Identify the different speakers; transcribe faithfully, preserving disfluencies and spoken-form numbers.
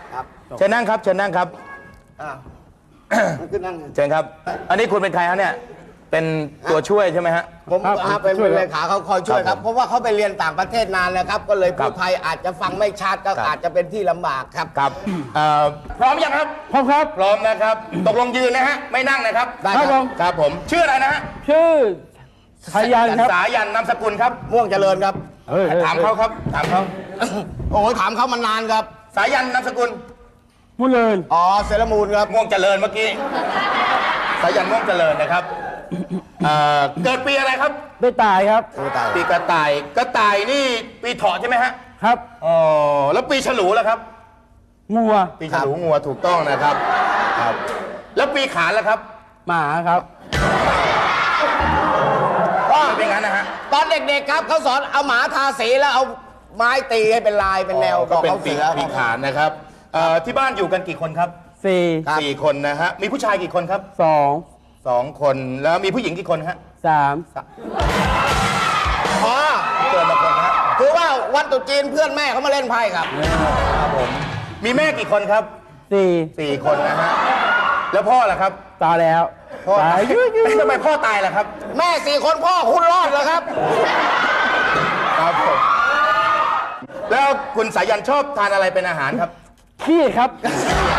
Speaker 1: ครับ
Speaker 2: เชิญนั่งครับเชิญนั่งครับ
Speaker 1: อ่าขึ้นนั่ง
Speaker 2: เชิญครับ อันนี้คุณเป็นใครฮะเนี่ยเป็นตัวช่วยใช่ไหมฮะ
Speaker 1: ผมอ่าเป็นเลขาเขาคอยช่วยครับ เพราะว่าเขาไปเรียนต่างประเทศนานแล้วครับ ก็เลยพูดไทยอาจจะฟังไม่ชัดก็อาจจะเป็นที่ลำบากครับ
Speaker 2: ครับเอ่อพร้อมยังครับ
Speaker 3: พร้อมครับ
Speaker 2: พร้อมนะครับตกลงยืนนะฮะไม่นั่งนะครับ
Speaker 1: ได้
Speaker 3: ครับผม
Speaker 2: ครับผมชื่ออะไรนะฮะ
Speaker 3: ชื่อสายันครับ
Speaker 2: สายันนามสกุลครับ
Speaker 1: ม่วงเจริญครับ
Speaker 3: เฮ้ย
Speaker 2: ถามเขาครับถามเขา
Speaker 1: โอ้ยถามเขามานานครับ
Speaker 2: สายันนามสกุล
Speaker 3: มุนเลิน
Speaker 1: อ๋อเซรามูนครับ
Speaker 2: ม่วงเจริญเมื่อกี้สายันม่วงเจริญนะครับเอ่อเกิดปีอะไรครับ
Speaker 3: ได้ตายครับ
Speaker 2: ปีกระต่ายกระต่ายนี่ปีเถาะใช่ไหมฮะ
Speaker 3: ครับ
Speaker 2: อ๋อแล้วปีฉลูล่ะครับ
Speaker 3: งัว
Speaker 2: ปีฉลูงัวถูกต้องนะครับครับ แล้วปีขานล่ะครับ
Speaker 3: หมาครับ
Speaker 1: ว่า
Speaker 2: ไม่เป็นงั้นนะฮะ
Speaker 1: ตอนเด็กๆครับเขาสอนเอาหมาทาสีแล้วเอาไม้ตีให้เป็นลายเป็นแนว
Speaker 2: ก็เป็น
Speaker 1: เขา
Speaker 2: ปี
Speaker 1: เสือ
Speaker 2: ปีขานนะครับเอ่อที่บ้านอยู่กันกี่คนครับ
Speaker 3: สี่
Speaker 2: สี่คนนะฮะมีผู้ชายกี่คนครับ
Speaker 3: สอง
Speaker 2: สองคนแล้วมีผู้หญิงกี่คนฮะ
Speaker 3: สาม
Speaker 1: อ๋อ
Speaker 2: เกินละคนฮะ
Speaker 1: คือว่าวันตรุษจีนเพื่อนแม่เขามาเล่นไพ่ครับ
Speaker 2: ครับผมมีแม่กี่คนครับ
Speaker 3: สี่
Speaker 2: สี่คนนะฮะแล้วพ่อล่ะครับ
Speaker 3: ตายแล้ว
Speaker 2: พ่อ
Speaker 3: ตายยืดยืด
Speaker 2: ทำไมพ่อตายล่ะครับ
Speaker 1: แม่สี่คนพ่อคุณรอดแล้วครับ
Speaker 2: ครับผมแล้วคุณสายันชอบทานอะไรเป็นอาหารครับ
Speaker 3: ขี้ครับ
Speaker 2: ค